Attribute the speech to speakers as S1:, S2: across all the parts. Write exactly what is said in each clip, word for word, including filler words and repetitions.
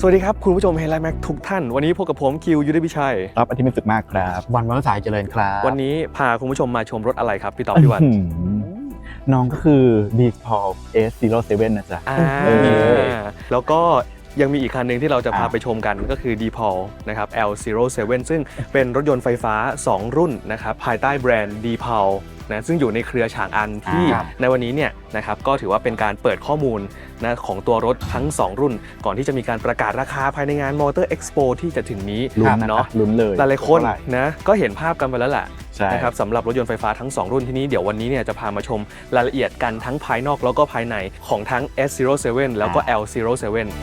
S1: วัสดีครับคุณผู้ชมเฮลัยแม็กทุกท่านวันนี้พบกับผมคิวยุทธพิชัย
S2: ครับอาทิตย์มิสุขมากครับ
S3: วันวันสายเจริญครับ
S1: วันนี้พาคุณผู้ชมมาชมรถอะไรครับพี่ต๊อบพี่วัน
S2: น้องก็คือ ดี พี โอ เอส ศูนย์ เจ็ด นะจ๊ะ
S1: แล้วก็ยังมีอีกคันหนึ่งที่เราจะพาไปชมกันก็คือ ดี พี โอ นะครับ แอล ศูนย์ เจ็ด ซึ่งเป็นรถยนต์ไฟฟ้าสองรุ่นนะครับภายใต้แบรนด์ ดี พี โอ นะซึ่งอยู่ในเครือฉางอันที่ในวันนี้เนี่ยนะครับก็ถือว่าเป็นการเปิดข้อมูลนะของตัวรถทั้งสองรุ่นก่อนที่จะมีการประกาศราคาภายในงาน Motor Expo ที่จะถึงนี้
S2: เนาะลุ้นเลย
S1: หลายๆคนนะก็เห็นภาพกันไปแล้วแหละนะครับสำหรับรถยนต์ไฟฟ้าทั้งสองรุ่นที่นี้เดี๋ยววันนี้เนี่ยจะพามาชมรายละเอียดกันทั้งภายนอกแล้วก็ภายในของทั้ง เอส ศูนย์ เจ็ด แล้วก็ แอล ศูนย์ เจ็ด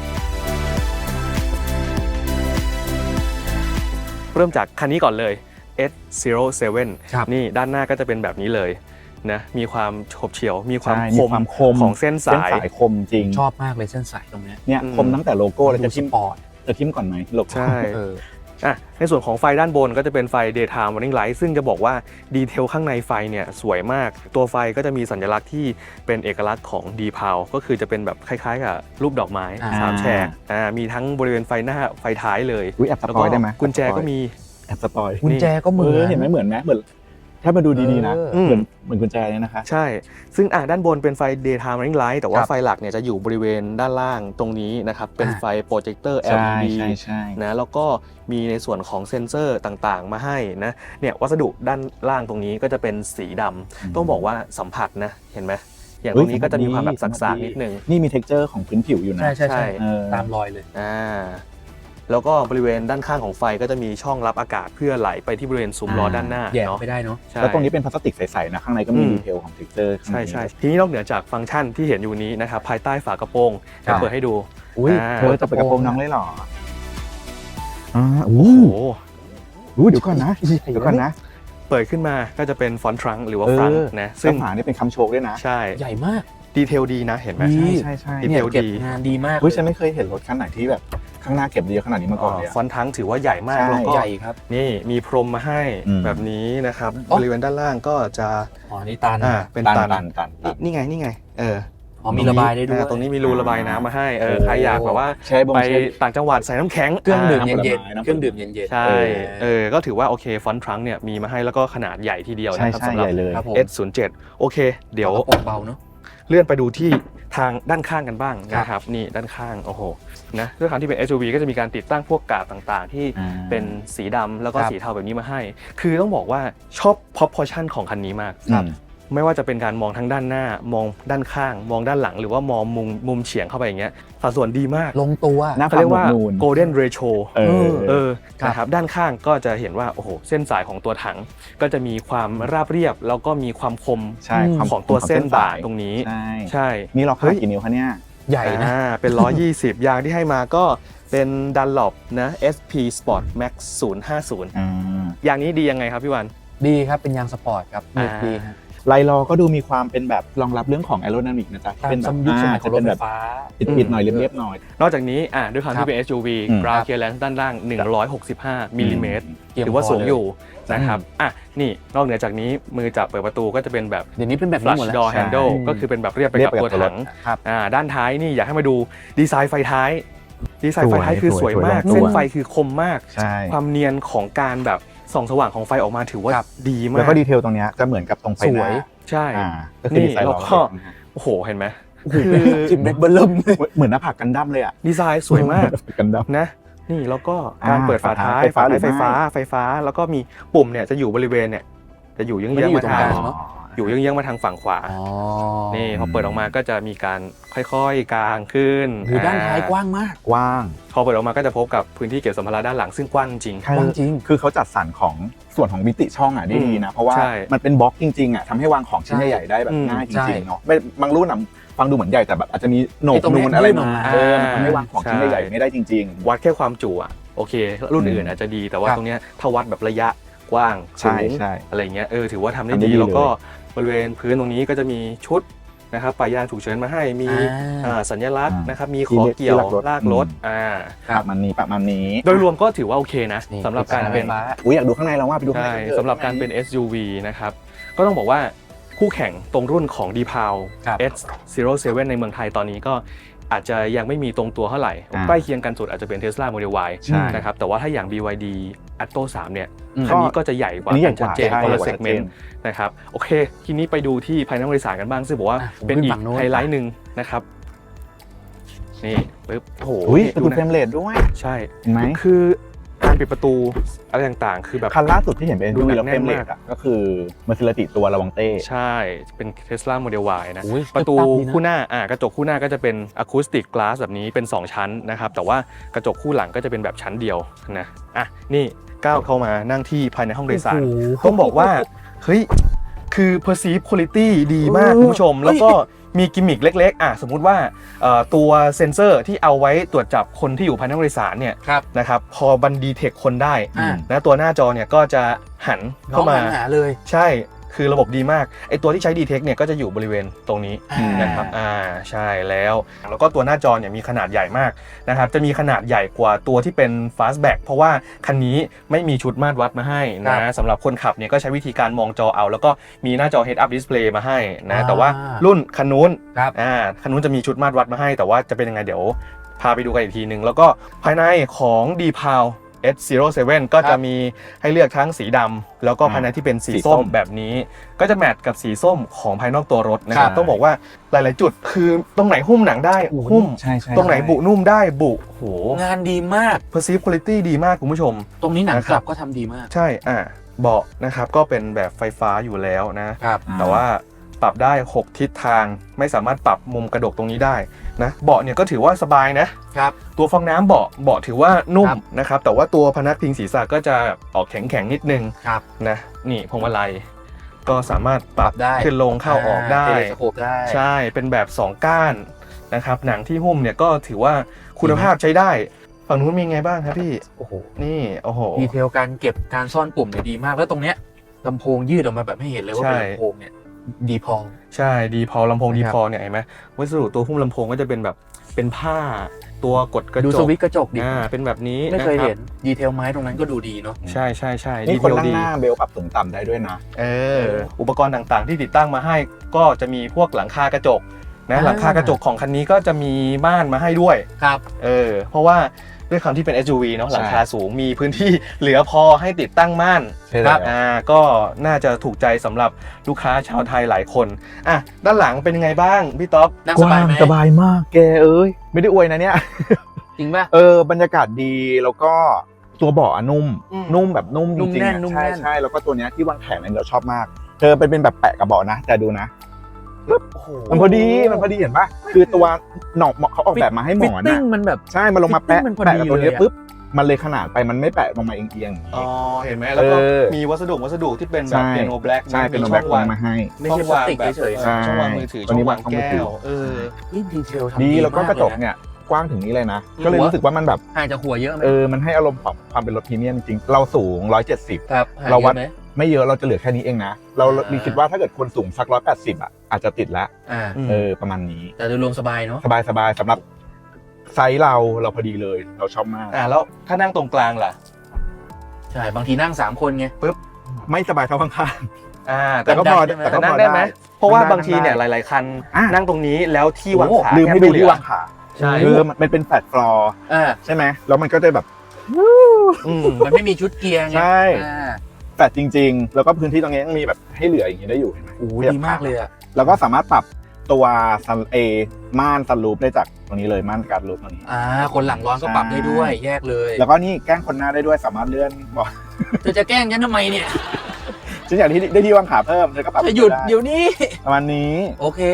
S1: เริ่มจากคันนี้ก่อนเลย เอส ศูนย์ เจ็ด นี่ด้านหน้าก็จะเป็นแบบนี้เลยนะมีความโฉบเฉี่ยวมีความคมของเส้นสาย
S2: คมจริง
S3: ชอบมากเลยเส้นสายตรงนี้
S2: เนี่ยคมตั้งแต่โลโก้แล้วจะทิ่มปอดจะทิ่มก่อนไหมโลโก้
S1: ใช่อ่ะในส่วนของไฟด้านบนก็จะเป็นไฟ Daytime Running Light ซึ่งจะบอกว่าดีเทลข้างในไฟเนี่ยสวยมากตัวไฟก็จะมีสัญลักษณ์ที่เป็นเอกลักษณ์ของ ดี พี โอ ก็คือจะเป็นแบบคล้ายๆกับรูปดอกไม้สามแฉกอ่ามีทั้งบริเวณไฟหน้าไฟท้ายเลย
S2: แล้วก็
S1: กุญแจก็มี
S2: แอบสปอย
S3: กุญแจก็เหมือน
S2: เห็นไหมเหมือนไหมเหมือนถ้ามาดูดีๆนะเหมือนเหมือนกุญแจเนี่ยนะคะ
S1: ใช่ซึ่งอ่ะด้านบนเป็นไฟ Daytime Running Light แต่ว่าไฟหลักเนี่ยจะอยู่บริเวณด้านล่างตรงนี้นะครับเป็นไฟโปรเจคเตอร์ แอล อี ดี นะแล้วก็มีในส่วนของเซ็นเซอร์ต่างๆมาให้นะเนี่ยวัสดุด้านล่างตรงนี้ก็จะเป็นสีดำต้องบอกว่าสัมผัสนะเห็นไหมอย่างตรงนี้ก็จะมีความแบบสักๆนิดนึง
S2: นี่มี texture ของพื้นผิวอยู่นะ
S3: ใช่ใช่ตามรอยเลย
S1: อ่าแล้วก็บริเวณด้านข้างของไฟก็จะมีช่องรับอากาศเพื่อไหลไปที่บริเวณซุ้มล้อด้านหน้า
S3: แยกไม่ได้เนาะ
S2: แล้วตรงนี้เป็นพลาสติกใสๆนะข้างในก็มีดีเทลของ texture
S1: ใช่ใช่ทีนี้นอกเหนือจากฟังก์ชันที่เห็นอยู่นี้นะครับภายใต้ฝากระโปรงจะเปิดให้ดู
S2: อุ้ยเธอจะเปิดกระโปรงน้องเลยเหรออ่าโอ้โหเดี๋ยวก่อนนะเดี๋ยวก่อนนะ
S1: เปิดขึ้นมาก็จะเป็นฟอนต์ทรังหรือว่าฟรังนะ
S2: ซึ่งฝานี่เป็นคำโชว์ด้วยนะ
S1: ใช่
S3: ใหญ่มาก
S1: ดีเทลดีนะเห็นไหม
S3: ใช่
S2: ใช่ใช่
S1: ดีเทลดี
S3: งานดีมาก
S2: เฮ้ยฉันไม่เคยเห็นรถคันไหนที่แบบข้างหน้าเก็บดีขนาดนี้มาก่อนเลย
S1: ฟอนต์ทั้งถือว่าใหญ่มากแล้วก็
S3: ใหญ่ครับ
S1: นี่มีพรมมาให้แบบนี้นะครับบริเวณด้านล่างก็จะ
S3: อ๋อนี่ตัน
S1: อ่าเป็นตันตันนี่ไงนี่ไงเออ
S3: อ๋อมีระบายได้ด้วย
S1: ตรงนี้มีรูระบายน้ำมาให้เออใครอยากแบบว่าไปต่างจังหวัดใส่น้ำแข็ง
S3: เครื่องดื่มเย็นๆเครื่องดื่มเย็น
S1: ๆใช่เออก็ถือว่าโอเคฟอนต์ทรังเนี่ยมีมาให้แล้วก็ขนาดใหญ่ทีเดียวนะครับสำหรับ เอส ศูนย์ เจ็ด โอเคเดี๋ยว
S3: เบาเนาะ
S1: เลื่อนไปดูที่ทางด้านข้างกันบ้างนะครับนี่ด้านข้างโอ้โหนะด้วยความที่เป็น เอส ยู วี ก็จะมีการติดตั้งพวกกาดต่างๆที่เป็นสีดำแล้วก็สีเทาแบบนี้มาให้คือต้องบอกว่าชอบ proportion ของคันนี้มากไม่ว่าจะเป็นการมองทั้งด้านหน้ามองด้านข้างมองด้านหลังหรือว่ามองมุมมุมเฉียงเข้าไปอย่างเงี้ยสัดส่วนดีมาก
S3: ลงตัว
S1: เขาเรียกว่า golden ratio เออเออนะครับด้านข้างก็จะเห็นว่าโอ้โหเส้นสายของตัวถังก็จะมีความราบเรียบแล้วก็มีความคมของตัวเส้นบาทตรงนี้ใช่
S2: นี่เราขนาดกี่นิ้วคะเนี่ย
S3: ใหญ่นะ
S1: เป็นหนึ่งร้อยยี่สิบยางที่ให้มาก็เป็น Dunlop นะ เอส พี Sport Max ศูนย์ห้าศูนย์ยางนี้ดียังไงครับพี่วัน
S3: ดีครับเป็นยางสปอร์ตครับดีครับ
S2: ไลลอก็ดูมีความเป็นแบบรองรับเรื่องของแอโรไดนามิกนะจ๊ะ
S3: เป็นแบบยุคสมัยของรถไฟฟ้า
S2: ปิดๆหน่อยเรียบๆหน่อย
S1: นอกจากนี้อ่ะด้วยความที่เป็น เอส ยู วี ground clearance ด้านล่างหนึ่งร้อยหกสิบห้ามิลลิเมตรถือว่าสูงอยู่นะครับอ่ะนี่นอกเหนือจากนี้มือจับเปิดประตูก็จะเป็นแบบ
S3: เดี๋ยวนี้เป็นแบบ
S1: flush door handle ก็คือเป็นแบบเรียบไปกับตัวถังอ่าด้านท้ายนี่อยากให้มาดูดีไซน์ไฟท้ายดีไซน์ไฟท้ายคือสวยมากเส้นไฟคือคมมากความเนียนของการแบบส่องสว่างของไฟออกมาถือว่าดีมาก
S2: แล้วก็ดีเทลตรงนี้จะเหมือนกับตรงไฟหน้า
S1: ใช่นี่แล้วก็โอ้โหเห็นไหม
S3: คือจิมเบ็ดเบลล์
S2: เหมือนหน้าผากกันดั้มเลยอ่ะ
S1: ดีไซน์สวยมาก
S2: กันดั้ม
S1: นะนี่แล้วก็การเปิดฝาท้ายฝาท้ายไฟฟ้าไฟฟ้าแล้วก็มีปุ่มเนี่ยจะอยู่บริเวณเนี่ยจะอยู่เยื้องๆมาทางอยู่เยื้องๆมาทางฝั่งขวานี่พอเปิดออกมาก็จะมีการค่อยๆกางขึ้น
S3: คือด้านท้ายกว้างมาก
S2: กว้าง
S1: พอเปิดออกมาก็จะพบกับพื้นที่เก็บสัมภาระด้านหลังซึ่งกว้างจริง
S3: กว้างจริง
S2: คือเขาจัดสรรของส่วนของมิติช่องอ่ะได้ดีนะเพราะว่ามันเป็นบล็อกจริงๆอ่ะทำให้วางของชิ้นใหญ่ๆได้แบบง่ายจริงๆเนาะไม่บางรุ่นอ่ะฟังดูเหมือนใหญ่แต่แบบอาจจะมีโหนกนูนอะไรมาเออมันทำให้วางของชิ้นใหญ่ๆไม่ได้จริง
S1: ๆวัดแค่ความจุอ่ะโอเครุ่นอื่นอาจจะดีแต่ว่าตรงเนี้ยถ้าวัดแบบระยะกว้างสูงอะไรเงี้ยเออถือว่าทำได้ดีแล้วก็บริเวณพื้นตรงนี้ก็จะมีชุดนะครับปลายยางฉุกเฉินมาให้มีสัญลักษณ์นะครับมีขอเกี่ยวลากรถอ่า
S2: ประมาณนี้ประมาณนี้
S1: โดยรวมก็ถือว่าโอเคนะสำหรับการเป็น
S2: อุ้ยอยากดูข้างในแล้วว่าไปดูข้างใน
S1: สำหรับการเป็น เอส ยู วี นะครับก็ต้องบอกว่าคู่แข่งตรงรุ่นของ ดี พี โอ เอส ศูนย์ เจ็ด ในเมืองไทยตอนนี้ก็อาจจะยังไม่มีตรงตัวเท่าไหร่
S2: อ่า
S1: ใกล้เคียงกันสุดอาจจะเป็น Tesla Model Y
S2: ใช่
S1: นะครับแต่ว่าถ้าอย่าง บี วาย ดี Atto สามเนี่ย
S3: อืม
S1: คันนี้ก็จะใหญ่กว่า
S2: อันนี้ใหญ่
S1: ชัดเจน
S2: กว่า
S1: คนละ
S2: ใช่
S1: เซกเมนต์นะครับโอเคทีนี้ไปดูที่ภายในห้องโดยสารกันบ้างซึ่งบอกว่า
S3: อ่ะผม
S1: เป็น
S3: ขึ้น
S1: อี
S3: ฝั่
S1: ก
S3: งโน้น
S1: ไฮไลท์หนึ่งนะครับนี่ปึ๊บโอ้โห
S2: อุ้ย
S1: นี่
S2: เป็น
S1: ดู
S2: เฟร
S1: นะ
S2: มเรทด้วย
S1: ใช่
S2: เห็นไหม
S1: คือการปิดประตูอะไรต่างๆ คือแบบ
S2: คันล่าสุดที่เห็นเป็น
S1: ดู
S2: ดู
S1: หนัก
S2: แล้ว
S1: แน่
S2: เฟร
S1: น
S2: มเร
S1: มาก
S2: ทอ่ะก็คือมาซิลติตัวระวังเต้
S1: ใช่เป็น Tesla Model Y นะ
S3: อุ๊ย
S1: ประตู
S3: ตึ๊บตับดีนะ
S1: คู่หน้าอ่ากระจกคู่หน้าก็จะเป็นอะคูสติกกลาสแบบนี้เป็นสองชั้นนะครับแต่ว่ากระจกคู่หลังก็จะเป็นแบบชั้นเดียวนะอ่ะนี่ก้าวเข้ามานั่งที่ภายในห้องโดยสาร
S3: โอ้โห
S1: ต้องบอกว่าเฮ้ยคือ perceive quality ดีมาก
S3: เออ
S1: คุณผู้ชม
S3: เฮ้ย
S1: แล้วก็มีกิมมิคเล็กๆอ่ะสมมุติว่าเอ่อตัวเซ็นเซอร์ที่เอาไว้ตรวจจับคนที่อยู่ภายในห้องโดยสารเนี่ย
S3: ครับ
S1: นะครับพอบันดีเทคคนได้
S3: อ่า
S1: นะตัวหน้าจอเนี่ยก็จะหัน
S3: น้อ
S1: เข้าง มา
S3: หันหาเลย
S1: ใช่คือระบบดีมากไอตัวที่ใช้ Detect เนี่ยก็จะอยู่บริเวณตรงนี้
S3: อ่า
S1: นะครับอ่าใช่แล้วแล้วก็ตัวหน้าจอเนี่ยมีขนาดใหญ่มากนะครับจะมีขนาดใหญ่กว่าตัวที่เป็น Fastback เพราะว่าคันนี้ไม่มีชุดมาตรวัดมาให้
S3: ครั
S1: นะ
S3: บ
S1: สำหรับคนขับเนี่ยก็ใช้วิธีการมองจอเอา แล้วก็มีหน้าจอ Head Up Display มาให้นะ
S3: อ่า
S1: แต่ว่ารุ่นคันนู้น
S3: ครับ
S1: อ่าคันนู้นจะมีชุดมาตรวัดมาให้ แต่ว่าจะเป็นยังไงเดี๋ยวพาไปดูกันอีกทีนึงแล้วก็ภายในของ ดี พี เอ แอล เอส ศูนย์ เซเว่น ก็จะมีให้เลือกทั้งสีดำแล้วก็ภายในที่เป็นสี
S2: สีส้
S1: ส้ม
S2: ม
S1: แบบนี้ ก็จะแมทกับสีส้มของภายนอกตัวรถนะค
S3: ครั
S1: รับบ ต้องบอกว่าหลาย ๆ จุดคือตรงไหนหุ้มหนังได้หุ้ม
S2: ใช่ใช่
S1: ตรงไหนบุนุ่มได้บุโห
S3: งานดีมาก
S1: perceive quality ดีมากคุณผู้ชม
S3: ตรงนี้หนัง
S1: นะค
S3: ก
S1: รั
S3: ลั
S1: บ
S3: บก็ทำดีมาก
S1: ใช่อ่าเบาะนะครับก็เป็นแบบไฟฟ้าอยู่แล้วนะ
S3: ครับ
S1: แต่ว่าปรับได้หกทิศทางไม่สามารถปรับมุมกระดกตรงนี้ได้นะเบาะเนี่ยก็ถือว่าสบายนะครับ ตัวฟองน้ำเบาะเบาะถือว่านุ่ม
S3: ครับ
S1: นะครับแต่ว่าตัวพนักพิงศีรษะก็จะออกแข็งๆนิดนึง
S3: ครับ
S1: นะนี่พวงมาลัยก็สามารถปรับ
S3: ปรับได้
S1: ขึ้นลงเข้าออกได้
S3: เทเลสโคปได้
S1: ใช่เป็นแบบสองก้านนะครับหนังที่หุ้มเนี่ยก็ถือว่าคุณภาพใช้ได้ฝั่งนู้นมีไงบ้างครับพี่
S3: โอ้โห
S1: นี่โอ้โห
S3: ดีเทลการเก็บการซ่อนปุ่มเนี่ยดีมากแล้วตรงเนี้ยลำโพงยืดออกมาแบบไม่เห็นเลยว่าเป็น
S1: ใช่
S3: ลำโพงเนี่ยดีพอ
S1: ใช่ดีพอลำโพง
S3: นะครับ
S1: ดีพอเนี่ยเห็นไหมวัสดุตัวหุ้มลำโพงก็จะเป็นแบบเป็นผ้าตัวกดกระ
S3: ดู
S1: จ
S3: ส
S1: ก
S3: วิตช์กระจกดิ
S1: อ่าเป็นแบบนี้
S3: ไม่เคย
S1: นะครับ
S3: เห็นดีเทลไม้ตรงนั้นก็ดูดีเนาะ
S1: ใช่ใช่ใช่
S2: นี่
S1: ดี
S2: คน
S1: เทล
S2: นั่ง
S1: ดี
S2: หน้าเบลปรับสูงต่ำได้ด้วยนะ
S1: เอออุปกรณ์ต่างๆที่ติดตั้งมาให้ก็จะมีพวกหลังคากระจกนะ
S3: อ่า
S1: หลังคากระจกของคันนี้ก็จะมีม่านมาให้ด้วย
S3: ครับ
S1: เออเพราะว่าด้วยความที่เป็น เอส ยู วี เนาะ
S2: ใช่
S1: หลังคาสูงมีพื้นที่เหลือพอให้ติดตั้งม่าน
S2: ใช่แล้ว
S1: อ่าก็น่าจะถูกใจสำหรับลูกค้าชาวไทยหลายคนอ่ะด้านหลังเป็นยังไงบ้างพี่ต๊อบ
S3: นั่ง
S2: ก
S3: ส
S2: ว้า
S3: บาย
S2: ง
S3: ไหม
S2: สบายมากแกเอ้ยไม่ได้อวยนะเนี่ย
S3: จริงป่ะ
S2: เออบรรยากาศดีแล้วก็ตัวเบาะอะนุ่ม
S1: อืม
S2: นุ่มแบบนุ่มจ
S3: นุ่ม
S2: ริง
S3: แน่
S2: ๆ
S3: น
S2: อะ
S3: นุ่ม
S2: ใช่
S3: แน่น
S2: ใช่แล้วก็ตัวเนี้ยที่วางแขนเนี่ยเราชอบมากเธอเป็นเป็นแบบแปะกับเบาะนะแต่ดูนะ
S3: โอ้โห
S2: มันพอดีมันพอดีเห็นปะคือตัวหนอกเขาออกแบบมาให้หมอน
S3: ฟิตติ้
S2: อะ
S3: งมันแบบ
S2: ใช่มันลงมาแปะ
S3: ฟิตติ้งมันพอ
S2: แปะ
S3: ดี
S2: กับตัวเนี้ย
S3: เลยอะ
S2: ปุ๊บมันเลยขนาดไปมันไม่แปะลงมาเอียงๆอย่างนี้
S1: อ๋อเห็นไหมแล้วก็
S2: เออ
S1: มีวัสดุวัสดุที่เป็นแบบ
S2: ใช่
S1: เปียโนแบล็ก
S2: ใช่เป็น
S1: มี
S2: แบ็
S1: ช่
S2: ค
S1: อง
S2: วาว
S1: าง ง
S2: มาให้
S3: ไม่ใช่พลาสติกเฉย
S1: เออช่องวางมือถือ
S2: ใช่
S1: ช่องวาง
S2: ตัวนี้วาง
S1: แก้
S2: มือถื
S1: ว
S2: อ
S1: เออ
S3: ๆนี่ดีเทลทำ
S2: ดี
S3: ดี
S2: แล้วก็
S3: มาก
S2: ระจก
S3: เลยนะ
S2: เนี่ยกว้างถึงนี้เลยนะ
S1: อืม
S2: ก็เลยรู้สึกว่ามันแบบ
S3: ห่างจากหัวเยอะไหม
S2: เออมันให้อารมณ์ของความเป็นรถพรีเมียมจริงๆเราสูงหนึ่งร้อยเจ็ดสิบ
S3: ครับห่าง
S2: เรา
S3: เย
S2: วัด
S3: อะไหม
S2: ไม่เยอะเราจะเหลือแค่นี้เองนะ เรา
S3: อ่า
S2: คิดว่าถ้าเกิดคนสูงสักร้อยแปดสิบอ่ะอาจจะติดแล้ว
S3: อ่า
S1: อืม
S2: เออประมาณนี้
S3: แต่โดยรวมสบายเนาะ
S2: สบายสบายสำหรับไซส์เราเราพอดีเลยเราชอบมาก
S1: อ่าแล้วถ้านั่งตรงกลางล่ะ
S3: ใช่บางทีนั่งสามคนไง
S2: ไม่สบายเท่าข้าง
S1: อ่า
S2: ๆแต่ก็พอ
S3: ได้ไหม
S2: แต่
S1: แต่
S2: ก็พ
S1: นั่
S2: อง
S1: ได้ไหม
S2: ได้
S1: เพราะว่า
S2: นั่งได้
S1: บางทีเนี่ยหลาย ๆ คัน
S2: อ่ะ
S1: นั่งตรงนี้แล้วที่วาง
S2: โอ้
S1: ขา
S2: ลืมให้
S1: แทบ
S2: ดู
S1: เห
S2: ที่
S1: อ
S2: วางขา
S1: ใช่
S2: เออมันมันเป็นแฟลตฟลอร์
S3: อ่า
S2: ใช่ไหมแล้วมันก็จะแบบ
S1: อืม
S3: มันไม่มีชุดเกียร์ไง
S2: ใช่
S3: อ่า
S2: แฟลตจริง ๆ แล้วก็พื้นที่ตรงนี้ยังมีแบบให้เหลืออย่างนี้ได้อยู่เห็นไหม
S3: โอ้โหดีมากเลยอ่ะ
S2: แล้วก็สามารถปรับตัวซันเอม่านซันรูฟได้จากตรงนี้เลยม่านการรูฟตรงนี้
S3: อ่า คนหลังร้อนก็ปรับได้ด้วย แยกเลย
S2: แล้วก็นี่แกล้งคนหน้าได้ด้วยสามารถเลื่อนบอก
S3: เธอจะแกล้งฉันทำไมเนี่ย
S2: ฉันอยากที่ได้ที่วางขาเพิ่มเธอก็ปรับ
S3: จะหยุด
S2: ไ
S3: เดี๋ยวนี้
S2: ประมาณนี้
S3: โอเค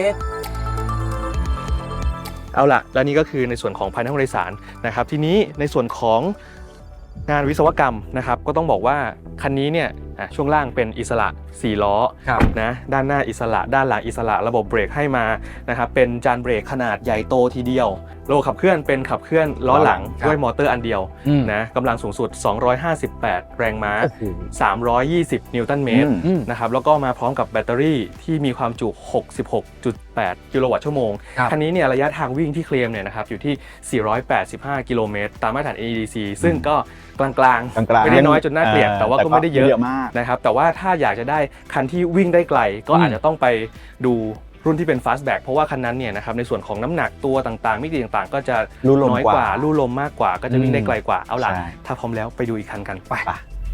S1: เอาล่ะแล้วนี่ก็คือในส่วนของภายในห้องโดยสารนะครับทีนี้ในส่วนของงานวิศวกรรมนะครับก็ต้องบอกว่าคันนี้เนี่ยอ่ะช่วงล่างเป็นอิสระสี่ล้อ
S3: ครับ
S1: นะด้านหน้าอิสระด้านหลังอิสระระบบเบรกให้มานะครับเป็นจานเบรกขนาดใหญ่โตทีเดียวระบบขับเคลื่อนเป็นขับเคลื่อนล้อหลัง
S3: ครับ
S1: ด้วยมอเตอร์อันเดียว
S3: อืม
S1: นะกำลังสูงสุดสองร้อยห้าสิบแปดแรงม้า
S3: โอ้โห
S1: สามร้อยยี่สิบนิวตันเมตร
S2: อืม
S3: อืม
S1: นะครับแล้วก็มาพร้อมกับแบตเตอรี่ที่มีความจุ หกสิบหกจุดแปด กิโลวัตต์ชั่วโมง
S3: ครับ
S1: คันนี้เนี่ยระยะทางวิ่งที่เคลมเนี่ยนะครับอยู่ที่ สี่ร้อยแปดสิบห้า กิโลเมตร ตามมาตรฐาน เอ อี ดี ซี ซึ่งก็กลางๆ
S2: กลางๆ
S1: ไม่ได้น้อยจนน่าเกลียดแต่ว่าก็ไม่ได้เยอะ
S2: มาก
S1: นะครับแต่ว่าถ้าอยากจะได้คันที่วิ่งได้ไกล ก็
S3: อืม
S1: อาจจะต้องไปดูรุ่นที่เป็น fastback เพราะว่าคันนั้นเนี่ยนะครับในส่วนของน้ำหนักตัวต่างๆมิติต่างๆ ก็จะ
S2: ลู่ลม
S1: น้อย
S2: ก
S1: ก
S2: ว่า
S1: ว่าลู่ลมมากกว่าก็จะวิ่งได้ไกลกว่าเอาล่ะ
S2: ใช่
S1: ถ้าพร้อมแล้วไปดูอีกคันกันไป
S2: ไป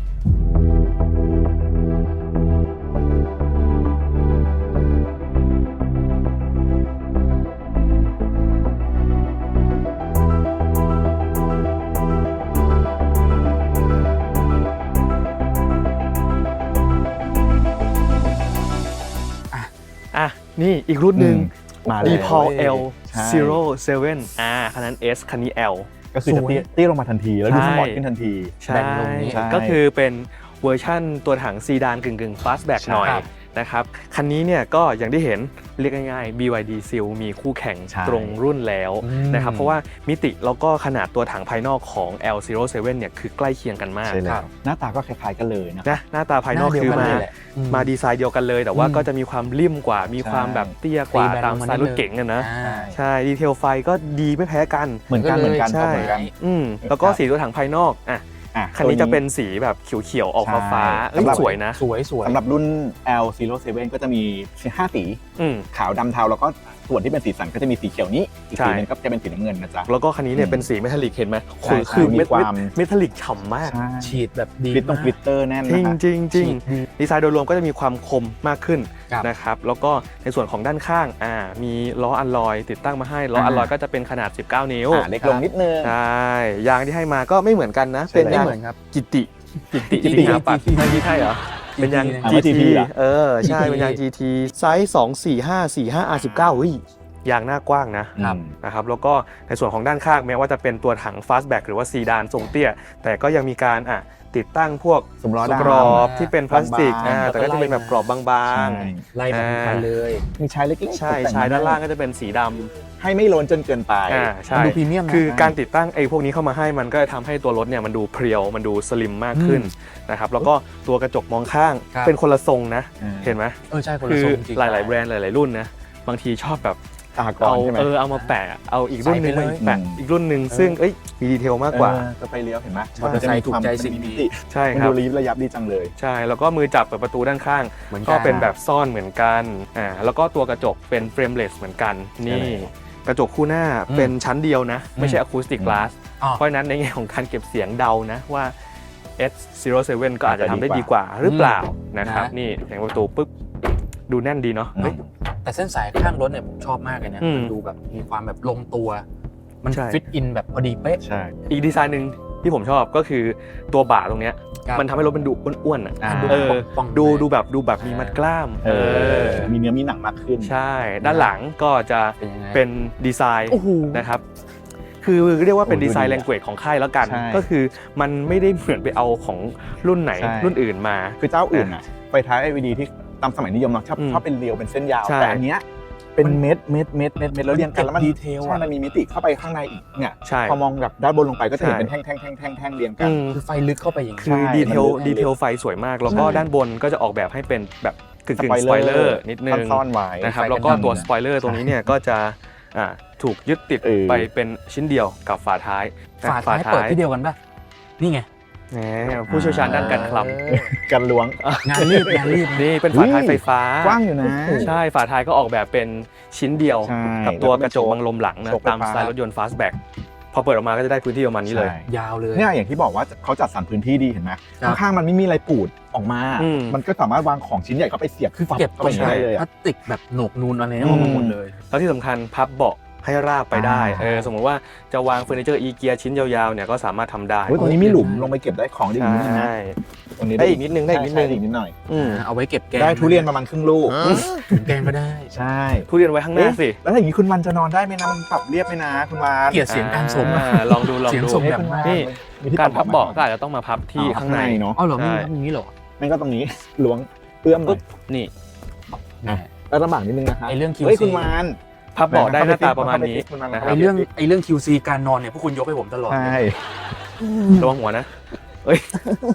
S1: อ่ะนี่อีกรุ่นหนึ่ง
S2: มา
S1: ดี
S2: แล้ว
S1: พอล L
S2: ใช่
S1: ศูนย์ เซเว่นอ่าคันนั้น S คันนี้ L
S2: ก็คือจะเตี้ยเตี้ยลงมาทันทีแล้วดูสปอร์ตขึ้นทันที
S1: ใช่
S3: แบ่งลงนี้
S2: ใช่
S1: ก็คือเป็นเวอร์ชั่นตัวถังซีดานกึ่งๆ fastback
S2: ใช่
S1: หน่อย
S3: ครับ
S1: นะครับคันนี้เนี่ยก็อย่างที่เห็นเรียกง่ายๆ บี วาย ดี Seal มีคู่แข่ง
S2: ใช่
S1: ตรงรุ่นแล้ว
S3: อืม
S1: นะครับเพราะว่ามิติแล้วก็ขนาดตัวถังภายนอกของ แอล ศูนย์ เซเว่นเนี่ยคือใกล้เคียงกันมาก
S2: ใช่แล้
S3: ครั
S2: ว
S3: บ
S2: หน้าตาก็คล้ายๆกันเลยนะ
S1: นะหน้าตาภายนอก
S3: หน้าเดียว
S1: คือ
S3: กัน
S1: มา
S3: เลยแหละอืม
S1: มาดีไซน์เดียวกันเลย แต่ว่า
S3: อืม
S1: ก็จะมีความริ่มกว่า มีความแบบเตี้ยกว่า
S3: ตีแบน
S1: ตาม
S3: ลง
S1: ส
S3: มา
S1: ไตล์รถ
S3: นิดนึง
S1: เก๋งอะนะ
S3: อ่า
S1: ใช่ดีเทลไฟก็ดีไม่แพ้กัน
S2: เหมือนกันเหมือนกัน
S1: ใช่
S2: เหมือนกัน
S1: อืมแล้วก็สีตัวถังภายนอกอ่ะ
S2: อ่ะ
S1: คันนี้จะเป็นสีแบบเขียวๆออกฟ้าๆ
S2: ใช่
S1: เอ้ย
S2: สำหรับ
S1: สวยนะ
S3: สวยสวย
S2: สำหรับรุ่น แอล ศูนย์ เซเว่น ก็จะมีห้าสี
S1: อืม
S2: ขาวดำเทาแล้วก็ส่วนที่เป็นสีสันก็จะมีสีเขียวนี้ อีก
S1: ใช่
S2: สีหนึงก็จะเป็นสีน้ำเงินนะจ๊ะ
S1: แล้วก็คันนี้เนี่ย
S2: อืม
S1: เป็นสีเมทัลลิกเห็นไหม
S2: ใช่
S1: คือคือ
S2: ใช่มี
S1: เมท
S2: ความ
S1: เมทัลลิกฉ่ำมาก
S2: ใช่
S3: ฉีดแบบดี
S2: กลิตตรง
S3: มาก
S2: กลิตเตอร์แน่น
S1: จริ
S2: นะ
S1: ง
S2: คะ
S1: จริงจริง
S3: ฉีดดี
S1: ดีไซน์โดยรวมก็จะมีความคมมากขึ้น
S3: ครับ
S1: นะครับแล้วก็ในส่วนของด้านข้างอ่ามีล้ออัลลอยติดตั้งมาให้ล้ออัลลอยก็จะเป็นขนาดสิบเก้านิ้ว
S2: อ่าเล็กลงนิดนึง
S1: ใช่ยางที่ให้มาก็ไม่เหมือนกันนะ
S2: ใช่
S1: เป็น
S3: ไม่
S1: ยาง
S3: เหมือนครับ
S1: กิติกิติ
S3: GT
S1: จริงๆครับปัด
S3: GT
S1: ไม่ใช่เหรอเป็นยาง
S3: อ่า
S1: จี
S2: ไม่
S1: ที
S2: GT เหรอ
S1: เออใช่
S3: จีที
S1: เป็นยาง จี ที ไซส์สองสี่ห้าสี่ห้า อาร์ สิบเก้าเฮ้ยยางหน้ากว้างนะ
S3: ครับ
S1: นะครับแล้วก็ในส่วนของด้านข้างแม้ว่าจะเป็นตัวถัง fastback หรือว่าซีดานทรงเตี้ย แต่ก็ยังมีการอ่ะติดตั้งพวก
S2: สำล้อดำ
S1: กรอบที่เป็นพลาสติก
S2: บางๆ
S1: อ่าแต่ก็จะเป็นแบบกรอบบาง
S2: ใช่
S3: ไล่มาทุกคันเลย
S2: มีชายเล็กๆ
S1: ๆ ใช่
S2: ตกแต่ง
S1: ชายด้านล่าง
S2: ให้
S1: ก็จะเป็นสีด
S2: ให้ไม่ล้นจนเกินไป
S1: ำอ่าใช่
S3: มันดูพรีเมียมนะ
S1: คือการติดตั้งไอ้พวกนี้เข้ามาให้มันก็จะทำให้ตัวรถเนี่ยมันดูเพรียวมันดูสลิมมากขึ้นนะครับแล้วก็ตัวกระจกมองข้าง
S3: ครับ
S1: เป็นคนละทรงนะ
S2: อืม
S1: เห็นไหม
S3: เออใช่คน
S1: คื
S3: ละ
S1: อ
S3: ทรงจริง
S1: หลาย ๆ แบรนด์หลาย ๆ รุ่นนะบางทีชอบแบบ
S2: ตากร
S1: เอา
S2: ใช่ไหม
S1: เออเอามาแปะเอาอีกรุ่นหนึง
S3: ใส่ไป
S1: มา
S3: เลย
S1: แปะ
S2: อืม
S1: อีกรุ่นหนึ่งซึ่งเอ้ยมีดีเทลมากกว่า
S2: เออจะไปเลี้ยวเห็นไหม
S1: ใช่
S2: มอเตอร์ไซค์
S3: ถูกใจสิ่ง
S2: มันมี
S3: นี้
S2: มิติ
S1: ใช่
S2: มัน
S1: ครับ
S2: ดูรีบระยับดีจังเลย
S1: ใช่แล้วก็มือจับเปิดประตูด้านข้าง
S3: เหมือนกัน
S1: ก็เป็นแบบซ่อนเหมือนกันอ่าแล้วก็ตัวกระจกเป็นเฟรมเลสเหมือนกันนี่
S2: ใช่แล้ว
S1: กระจกคู่หน้า
S3: อืม
S1: เป็นชั้นเดียวนะ ไม่ใช่
S3: อืม
S1: อะคูสติก
S2: อืม
S1: กลาส
S3: อ๋อ
S1: เพราะฉะนั้นในแง่ของการเก็บเสียงเดานะว่า เอส ศูนย์ เซเว่น ก็อาจจะทำได้ดีกว่าหรือเปล่านะครับ
S3: นะ
S1: นี่เสียงประตูปุ๊บดูแน่นดีเนาะ
S2: อืม
S1: เฮ้ย
S3: แต่เส้นสายข้างรถเนี่ยผมชอบมากเลยนะ
S1: อืม
S3: มันดูแบบมีความแบบลงตัว มัน
S1: ใช่
S3: ฟิตอินแบบพอดีเป๊ะ
S2: ใช่
S1: อีกดีไซน์หนึ่งที่ผมชอบก็คือตัวบ่าตรงเนี้ย
S3: ครับ
S1: มันทำให้รถมันดูอ้วนๆอ่ะ
S2: อ่า
S1: เออ
S3: ป่องๆ
S1: ดู
S3: เลย
S1: ดูแบบดูแบบมีมัดกล้าม
S2: เออมีเนื้อมีหนังมากขึ้น
S1: ใช่ ด้านหลังก็จะ
S3: เป็นยังไง
S1: เป็นดีไซน์
S3: โอ้โห
S1: นะครับ คือเรียกว่าเป็น
S2: โอ้ดู
S1: ดีไซน์
S2: ดี
S1: แล
S2: อะ
S1: งเกจของค่ายแล้วกัน
S2: ใช่
S1: ก็คือมันไม่ได้เหมือนไปเอาของรุ่นไหน
S2: ใช่
S1: รุ่นอื่นมา
S2: คือเจ้าอื่นอ่ะไฟท้าย แอล อี ดี ที่ตามสมัยนิยมเนาะชอบ
S1: อืม
S2: ชอบเป็นเรียวเป็นเส้นยาว
S1: ใช่
S2: แต่อันเนี้ยเป็นเม็ดเม็ดเม็ดเม็ดเม็ดแล้วเรียงกันแล้วมัน
S3: ดีเทลอะ
S2: ใช่มันมีมิติเข้าไปข้างในอีกเนี่ย
S1: ใช่
S2: พอมองแบบด้านบนลงไปก็จะเห็น
S1: ใช่
S2: เป็นแท่งแท่งแท่งแท่งแท่งเรียงกัน
S1: อืม
S3: คือไฟลึกเข้าไปอย่างนี้
S1: คือ
S2: ใช่
S1: ดีเทล
S2: มันลึก
S1: ดีเทลไฟสวยมาก แล้วก็
S2: ใช่
S1: ด้านบนก็จะออกแบบให้เป็นแบบกึ่ง
S2: ส
S1: กึ่
S2: ป
S1: ง
S2: อย
S1: ส
S2: เล
S1: ป
S2: อ
S1: อย
S2: ร์
S1: เลอร์นิดนึง
S2: ซ่อนไว้
S1: นะครับ
S3: ไฟ
S1: แล้วก็
S3: กัน
S1: ตัว
S3: ดำ
S1: สปอยเลอร์ตรงนี้เนี่ยก็จะอ่าถูกยึดติด
S2: เออ
S1: ไปเป็นชิ้นเดียวกับฝาท้าย
S3: ฝาท้ายเปิดที่เดียวกันป่ะ นี่ไง
S1: แหมผู้เชี่ยวชาญด้านการคลำ
S3: เออ
S2: กันล้วง
S3: งานรีบงานรีบ
S1: นี่เป็นฝาท้ายไฟฟ้า
S2: กว้างอยู่นะ
S1: ใช่ฝาท้ายก็ออกแบบเป็นชิ้นเดียว
S2: ใช่
S1: กับตัวกระจกบังลมหลังนะ
S2: โชคไฟฟ้า
S1: ตามสไตล์รถยนต์ fastback พอเปิดออกมาก็จะได้พื้นที่ประมาณนี้เลย
S2: ใช่
S3: ยาวเลย
S2: เนี่ยอย่างที่บอกว่าเขาจัดสรรพื้นที่ดีเห็นไหม
S3: ครับ
S2: ข้างๆมันไม่มีอะไรปูดออกมา
S1: อืม
S2: มันก็สามารถวางของชิ้นใหญ่เข้าไปเสียบ
S3: คือ
S2: ปั๊บ
S3: เก็บ
S2: เข้าไปได้เลย
S3: พลา
S2: อะ
S3: สติกแบบโหนกนูนอะไร
S2: อื
S3: เนี่ย
S2: ม
S3: มาหมดเลย
S1: แล้วที่สำคัญพับเบาะให้ราบไปได้
S2: อ่า
S1: เออสมมติว่าจะวางเฟอร์นิเจอร์อีเกียชิ้นยาวๆเนี่ยก็สามารถทำได้
S2: เฮ้ยตรงนี้มีหลุมลงไปเก็บได้ของได้อีกนิดนึงนะ
S1: ใช่
S2: ตรงนี้
S1: ได้อีกนิดนึงได้อีกนิดนึง
S2: ใช่ใช่อีกนิดหน่อย
S1: อืม
S3: เอาไว้เก็บแกง
S2: ได้ทุเรียนประมาณครึ่งลูก
S3: ถุงแกงก็ได้
S2: ใช่
S1: ทุเรียนไว้ข้างหน้าสิ
S2: แล้วถ้าอย่างนี้คุณวันจะนอนได้ไหมนะมันปรับเรียบไหมนะคุณวัน
S3: เกลียดเสียงการส่ง
S1: อ่าลองดูลอง
S3: เสียง
S1: ดู
S3: ส่ง
S2: ให้
S3: แบบ
S2: คุณวัน
S1: นี่
S2: มีที่
S1: การพับเบาะ
S2: ป
S1: ก็อาจจะต้องมาพับที่ข้างใน
S2: เนาะ
S3: อ๋อเหรอมี
S1: ใช่
S3: อย่างนี้เหรอ
S2: ไม่ก็ตรงนี้ล้วงเอื้อมหน่
S1: ปุ๊
S2: อบ ย
S1: นี่
S2: อ่ะแล้วลำบากนิดนึงนะครับ
S3: ไอเรื่อง
S2: เฮ้ย
S3: คิวซี
S2: คุณวาน
S1: พับเบาะได้หน้าตาประมาณนี้
S2: คุณวาน
S1: นะค
S3: ไอ
S1: รับ
S3: เรื่องไอเรื่อง คิว ซี การนอนเนี่ยพวกคุณยกให้ผมตลอด
S2: ใช่
S1: ระวังหัวนะเอ้ย